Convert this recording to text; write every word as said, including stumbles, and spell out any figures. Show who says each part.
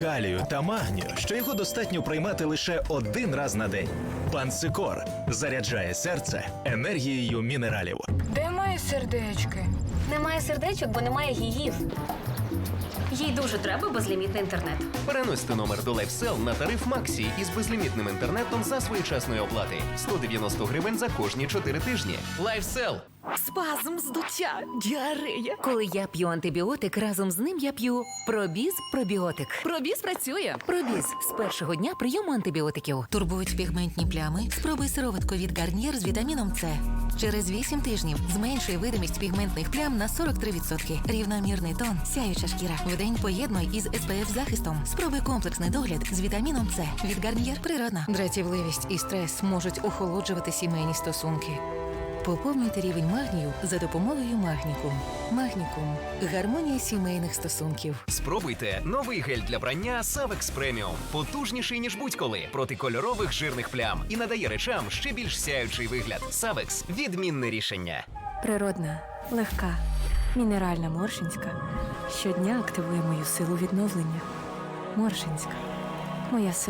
Speaker 1: калію та магнію, що його достатньо приймати лише один раз на день. Пансикор заряджає серце енергією мінералів.
Speaker 2: Де мої сердечки?
Speaker 3: Немає сердечок, бо немає гігів. Їй дуже треба безлімітний інтернет.
Speaker 4: Переносьте номер до LifeSell на тариф Максі із безлімітним інтернетом за своєчасної оплати. сто дев'яносто гривень за кожні чотири тижні. LifeSell.
Speaker 5: Спазм, здуття, діарея. Коли я п'ю антибіотик, разом з ним я п'ю Пробіз пробіотик. Пробіз працює. Пробіз з першого дня прийому антибіотиків. Турбують пігментні плями? Спробуй сироватку від Гарнієр з вітаміном С. Через вісім тижнів зменшує видимість пігментних плям на сорок три відсотки. Рівномірний тон, сяюча шкіра. Вдень поєднуй із ес пе еф захистом. Спробуй комплексний догляд з вітаміном С. Від Гарнієр природна. Дратівливість і стрес можуть охолоджувати сімейні стосунки. Поповнюйте рівень магнію за допомогою Магнікум. Магнікум – гармонія сімейних стосунків.
Speaker 4: Спробуйте новий гель для прання Savex Premium. Потужніший, ніж будь-коли, проти кольорових жирних плям. І надає речам ще більш сяючий вигляд. Savex – відмінне рішення.
Speaker 6: Природна, легка, мінеральна Моршинська щодня активує мою силу відновлення. Моршинська – моя сила.